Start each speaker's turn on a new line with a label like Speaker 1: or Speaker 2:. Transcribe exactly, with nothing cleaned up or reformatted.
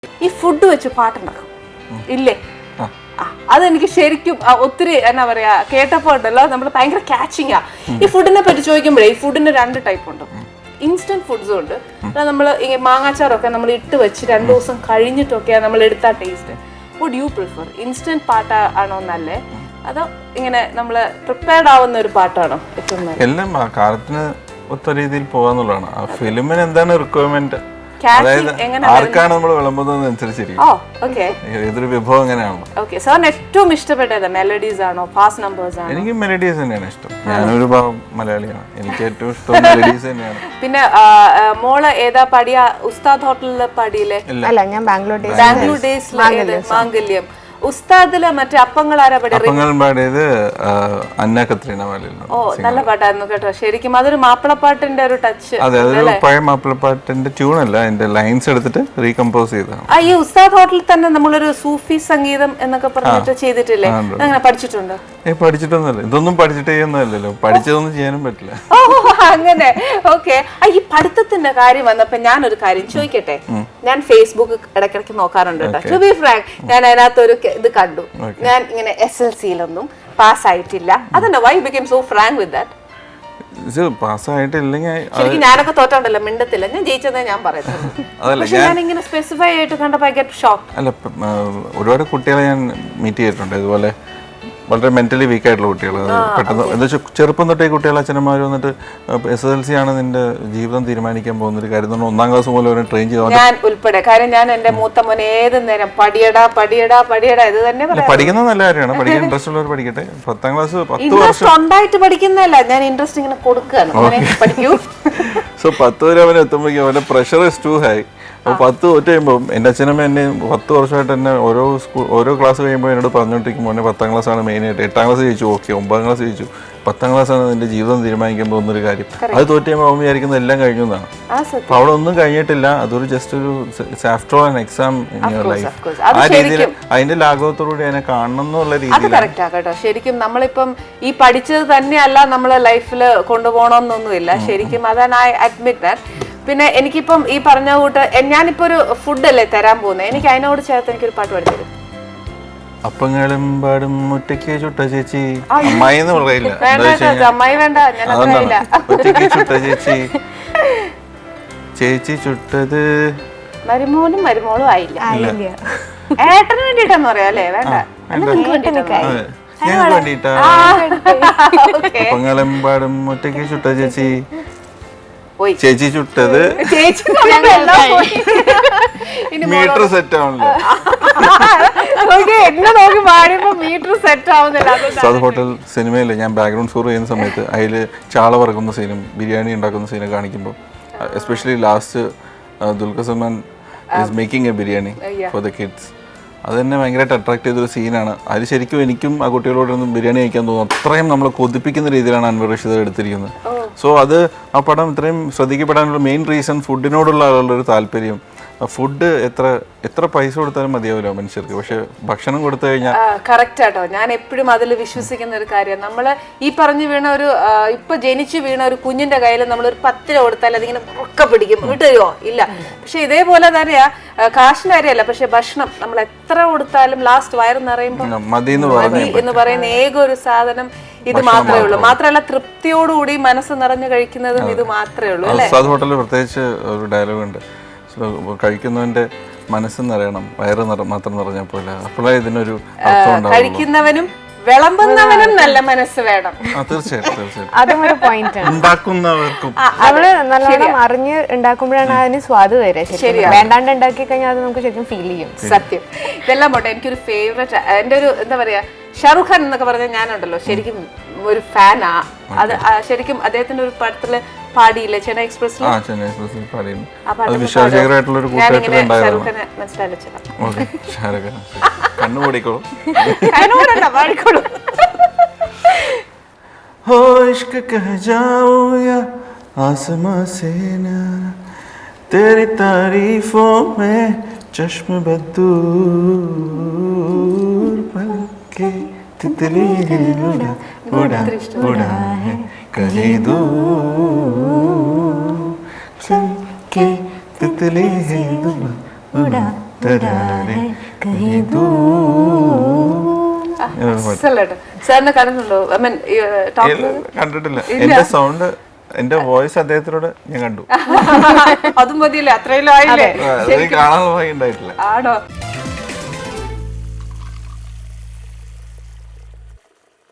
Speaker 1: ഈ ഫുഡ് വെച്ച് പാട്ടുണ്ടാക്കും ഇല്ലേ? അതെനിക്ക് ശരിക്കും ഒത്തിരി എന്നാ പറയാ കേട്ടപ്പോ ഉണ്ടല്ലോ നമ്മൾ ഭയങ്കര ക്യാച്ചിങ് ആ. ഈ ഫുഡിനെ പറ്റി ചോദിക്കുമ്പോഴേ ഈ ഫുഡിന് രണ്ട് ടൈപ്പ് ഉണ്ട്. ഇൻസ്റ്റന്റ് ഫുഡ്സും ഉണ്ട്. നമ്മൾ മാങ്ങാച്ചാറൊക്കെ നമ്മൾ ഇട്ട് വെച്ച് രണ്ടു ദിവസം കഴിഞ്ഞിട്ടൊക്കെയാണ് നമ്മൾ എടുത്താ taste. Would you prefer instant pot ആണോ നല്ലേ, അതോ ഇങ്ങനെ നമ്മള് പ്രിപ്പയർഡ് ആവുന്ന ഒരു പാട്ടാണോ ഏറ്റവും നല്ലത്?
Speaker 2: എല്ലാം കാലത്തിന് ഒത്ത രീതിയിൽ പോകാന്നുള്ളതാണ്. ആ ഫിലിമിന് എന്താണ് റിക്വയർമെന്റ്, അതായത് ആർക്കാണ് നമ്മൾ വിളമ്പുന്നത് അനുസരിച്ചിരിക്കും. ഏതൊരു വിഭവം അങ്ങനെയാണോ?
Speaker 1: ഏറ്റവും ഇഷ്ടപ്പെട്ടത് മെലഡീസ് ആണോ ഫാസ്റ്റ് നമ്പേഴ്സ് ആണോ?
Speaker 2: എനിക്ക് മെലഡീസ് തന്നെയാണ് ഇഷ്ടം. ഞാനൊരു മലയാളിയാണ്, എനിക്ക് ഏറ്റവും ഇഷ്ടം മെലഡീസ് തന്നെയാണ്.
Speaker 1: പിന്നെ മോള് ഏതാ പാടിയ? ഉസ്താദ് ഹോട്ടലിലെ പാടിയില്ലേ?
Speaker 3: അല്ല, ഞാൻ ബാംഗ്ലൂർ
Speaker 1: ബാംഗ്ലൂർ ഡേയ്സിലെ മാംഗല്യം. ഉസ്താദില് മറ്റേ അപ്പങ്ങൾ ആരാ പാടിയത്?
Speaker 2: അപ്പങ്ങൾ പാടിയത് അന്ന കത്രീന വാലിൽ.
Speaker 1: ഓ, നല്ല പാട്ടായിരുന്നു കേട്ടോ. ശരിക്കും അതൊരു മാപ്പിളപ്പാട്ടിന്റെ ഒരു ടച്ച്.
Speaker 2: അതെ, അതൊരു പഴയ മാപ്പിളപ്പാട്ടിന്റെ ട്യൂൺ അല്ല, അതിന്റെ ലൈൻസ് എടുത്തിട്ട് റീകമ്പോസ് ചെയ്തതാണ്.
Speaker 1: ആ, ഈ ഉസ്താദ് ഹോട്ടലിൽ തന്നെ നമ്മളൊരു സൂഫി സംഗീതം എന്നൊക്കെ പറഞ്ഞിട്ട് ചെയ്തിട്ടില്ലേ? അങ്ങനെ പഠിച്ചിട്ടുണ്ടോ?
Speaker 2: ഏ പഠിച്ചിട്ടൊന്നുമല്ല, ഇതൊന്നും പഠിച്ചിട്ട് ചെയ്യുന്നതല്ലല്ലോ, പഠിച്ചതൊന്നും ചെയ്യാനും പറ്റില്ല.
Speaker 1: ഓ, അങ്ങനെ. ഓക്കെ. ഈ പഠിത്തത്തിന്റെ കാര്യം വന്നപ്പോ ഞാനൊരു കാര്യം ചോദിക്കട്ടെ. ഞാൻ ഫേസ്ബുക്ക് ഇടയ്ക്കിടയ്ക്ക് നോക്കാറുണ്ട് കേട്ടോ. ടു ബി ഫ്രാങ്ക്, ഞാൻ അതിനകത്തൊരു ഇത് കണ്ടു. ഞാൻ ഇങ്ങനെ എസ് എൽ സിയിലൊന്നും പാസ് ആയിട്ടില്ല. അതെന്നെ, why become so frank with that? ശരിക്കും ഞാനൊക്കെ തോറ്റോണ്ടല്ലോ, മിണ്ടത്തില്ല. ഞാൻ ജയിച്ചതേ ഞാൻ പറയുന്നത്. ഞാൻ ഇങ്ങനെ സ്പെസിഫൈ ആയിട്ട് കണ്ടപ്പോ ഐ ഗെറ്റ് ഷോക്ക്.
Speaker 2: അല്ല, ഒരുപാട് കുട്ടികളെ ഞാൻ മീറ്റ് ചെയ്തിട്ടുണ്ട് ഇതുപോലെ വളരെ മെന്റലി വീക്ക് ആയിട്ടുള്ള കുട്ടികൾ. പെട്ടെന്ന് എന്താ വെച്ചാൽ ചെറുപ്പം തൊട്ടേ കുട്ടികൾ അച്ഛനന്മാർ വന്നിട്ട് എസ് എസ് എൽ സി ആണ് നിന്റെ ജീവിതം തീരുമാനിക്കാൻ പോകുന്ന ഒരു കാര്യം, ഒന്നാം ക്ലാസ് പോലെ അവരെ ട്രെയിൻ ചെയ്ത്
Speaker 1: ഞാൻ ഉൾപ്പെടെ. കാര്യം ഞാൻ എന്റെ മൂത്ത മോനെ ഏത് നേരം പടിയടാ പടിയടാ പടിയടാ ഇത് തന്നെ
Speaker 2: പഠിക്കുന്നത് നല്ല കാര്യമാണ്. പഠിക്കാൻ ഇൻട്രസ്റ്റ് ഉള്ളവർ പഠിക്കട്ടെ. പത്താം ക്ലാസ് പത്ത് വർഷം
Speaker 1: സ്വന്തമായിട്ട് പഠിക്കുന്നതല്ല, ഞാൻ ഇൻട്രസ്റ്റ് ഇങ്ങനെ കൊടുക്കുകയാണ്. പഠിക്കൂ.
Speaker 2: സോ പത്ത് വരെ അവനെ എത്തുമ്പോഴേക്കും അവന്റെ പ്രഷർ ഇസ് ടു ഹൈ. അപ്പോൾ പത്ത് തോറ്റ് കഴിയുമ്പോൾ എൻ്റെ അച്ഛനമ്മ എന്നെ പത്ത് വർഷമായിട്ട് എന്നെ ഓരോ സ്കൂൾ ഓരോ ക്ലാസ് കഴിയുമ്പോൾ എന്നോട് പറഞ്ഞുകൊണ്ടിരിക്കുമ്പോൾ എന്നെ പത്താം ക്ലാസ്സാണ് മെയിനായിട്ട്. എട്ടാം ക്ലാസ് ജയിച്ചു, ഓക്കെ. ഒമ്പതാം ക്ലാസ് ജയിച്ചു, പത്താം ക്ലാസ്സാണ് നിന്റെ ജീവിതം തീരുമാനിക്കാൻ പോകുന്നൊരു കാര്യം. അത് തോറ്റ് കഴിയുമ്പോൾ അവൻ വിചാരിക്കുന്നത് എല്ലാം കഴിഞ്ഞു എന്നാണ്. അപ്പോൾ അവിടെ ഒന്നും കഴിഞ്ഞിട്ടില്ല, അതൊരു ജസ്റ്റ് ഒരു after all an exam in your life. ആ രീതിയിൽ അതിന്റെ ലാഘവത്തോടുകൂടി അതിനെ കാണണം എന്നുള്ള രീതിയിൽ.
Speaker 1: ശരിക്കും നമ്മളിപ്പം ഈ പഠിച്ചത് തന്നെയല്ല നമ്മളെ ലൈഫിൽ കൊണ്ടുപോകണമെന്നൊന്നുമില്ല. ശരിക്കും അതാണ് ഐ അഡ്മിറ്റ് ദാറ്റ്. പിന്നെ എനിക്കിപ്പം ഈ പറഞ്ഞ കൂട്ട് ഞാനിപ്പോ ഒരു ഫുഡല്ലേ തരാൻ പോകുന്നത്, എനിക്ക് അതിനോട് ചേർത്ത് എനിക്കൊരു പാട്ട് പഠിത്തരും.
Speaker 2: അപ്പങ്ങളും പാടും മുറ്റയ്ക്ക് ചുട്ട ചേച്ചി, അമ്മായി എന്ന് പറയില്ല,
Speaker 1: അമ്മായി വേണ്ട,
Speaker 2: ഒറ്റയ്ക്ക് ചുട്ട ചേച്ചി, ചേച്ചി ചുട്ടത്
Speaker 1: മരുമോനും മരുമോളും ആയില്ല, ഏട്ടന് വേണ്ടിട്ടാന്ന് പറയാ അല്ലേ? വേണ്ട,
Speaker 2: ഞങ്ങൾക്ക് വേണ്ടിട്ടാ. അപ്പങ്ങളും പാടും മുറ്റയ്ക്ക് ചുട്ട ചേച്ചി, ചേച്ചി ചുട്ടത് മീറ്റർ സെറ്റ് ആവണല്ലോ. ഉസ്താദ് ഹോട്ടൽ സിനിമയില് ഞാൻ ബാക്ക്ഗ്രൗണ്ട് സ്കോർ ചെയ്യുന്ന സമയത്ത് അതിൽ ചാള വറക്കുന്ന സീനും ബിരിയാണി ഉണ്ടാക്കുന്ന സീനും കാണിക്കുമ്പോൾ, especially last Dulquer Salmaan is making a biryani for the kids, അത് തന്നെ ഭയങ്കരമായിട്ട് അട്രാക്ട് ചെയ്തൊരു സീനാണ്. അത് ശരിക്കും എനിക്കും ആ കുട്ടികളോടൊന്നും ബിരിയാണി കഴിക്കാൻ തോന്നും. അത്രയും നമ്മളെ കൊതിപ്പിക്കുന്ന രീതിയിലാണ് അൻവർ റഷീദ് എടുത്തിരിക്കുന്നത്. സോ അത് ആ പടം ഇത്രയും ശ്രദ്ധിക്കപ്പെടാനുള്ള മെയിൻ റീസൺ ഫുഡിനോടുള്ള ആളുള്ളൊരു താല്പര്യം. ഫുഡ് എത്ര എത്ര പൈസ കൊടുത്താലും മതിയാവില്ല മനുഷ്യർക്ക്, പക്ഷെ ഭക്ഷണം കൊടുത്തു കഴിഞ്ഞാൽ
Speaker 1: കറക്റ്റ് ആട്ടോ. ഞാൻ എപ്പോഴും അതിൽ വിശ്വസിക്കുന്ന ഒരു കാര്യം, നമ്മള് ഈ പറഞ്ഞു വീണ ഒരു ഇപ്പൊ ജനിച്ചു വീണ ഒരു കുഞ്ഞിന്റെ കയ്യിൽ നമ്മൾ ഒരു പത്ത് രൂപ കൊടുത്താൽ അതിങ്ങനെ ഒക്കെ പിടിക്കും, കിട്ടുമോ? ഇല്ല. പക്ഷെ ഇതേപോലെ തന്നെയാ കാശിന്റെ കാര്യമല്ല, പക്ഷെ ഭക്ഷണം നമ്മൾ എത്ര കൊടുത്താലും ലാസ്റ്റ് വയറ് നിറയുമ്പോൾ
Speaker 2: മതി
Speaker 1: എന്ന് പറയുന്ന ഏക ഒരു സാധനം ഇത് മാത്രമേ ഉള്ളൂ. മാത്രമല്ല തൃപ്തിയോടുകൂടി മനസ്സ് നിറഞ്ഞു കഴിക്കുന്നതും ഇത് മാത്രമേ ഉള്ളൂ അല്ലേ?
Speaker 2: ഉസ്താദ് ഹോട്ടലിൽ പ്രത്യേകിച്ച് ഒരു ഡയലോഗ് ഉണ്ട്, കഴിക്കുന്നവന്റെ മനസ്സ് നിറയണം, വയറ് മാത്രം നിറഞ്ഞാൽ പോലെ. അപ്പോഴേ ഇതിനൊരു
Speaker 1: കഴിക്കുന്നവനും വിളമ്പുന്നവനും നല്ല മനസ്സ് വേണം.
Speaker 2: തീർച്ചയായിട്ടും തീർച്ചയായിട്ടും
Speaker 3: അതും ഒരു പോയിന്റ് ആണ്.
Speaker 2: ഉണ്ടാക്കുന്നവർക്കും
Speaker 3: നമ്മള് നല്ലോണം അറിഞ്ഞ് ഉണ്ടാക്കുമ്പോഴാണ് അതിന് സ്വാദ് വരെ. ശരിയാണ്, വേണ്ടാണ്ട് ഉണ്ടാക്കി കഴിഞ്ഞാൽ അത് നമുക്ക് ശരിക്കും ഫീൽ ചെയ്യും.
Speaker 1: സത്യം. ഇതെല്ലാം പോട്ടെ, എനിക്കൊരു ഫേവറേറ്റ്, എന്റെ ഒരു എന്താ പറയാ, ഷാറുഖ് ഖാൻ എന്നൊക്കെ പറഞ്ഞാൽ ഞാനുണ്ടല്ലോ ശരിക്കും ഒരു ഫാനാ. അത് ശരിക്കും അദ്ദേഹത്തിന്റെ ഒരു പടത്തില് പാടിയില്ലേ, ചെന്നൈ എക്സ്പ്രസിൽ?
Speaker 2: तेरी तारीफों में चश्म बदूर पलके तितली उड़ा उड़ा उड़ा है कहीं दूर के तितली उड़ा തരാരെ കഹീ ദൂർ.
Speaker 1: സാറിനെ കണ്ടിട്ടുണ്ടോ? ഐ മീൻ
Speaker 2: കണ്ടിട്ടില്ല. എന്റെ സൗണ്ട്, എന്റെ വോയിസ് അദ്ദേഹത്തിനോട് ഞാൻ കണ്ടു.
Speaker 1: അതും മതിയല്ലേ, അത്രയും ആയില്ലേ?
Speaker 2: കാണാനുള്ള ഭാഗ്യം ഉണ്ടായിട്ടില്ല.
Speaker 1: ആണോ?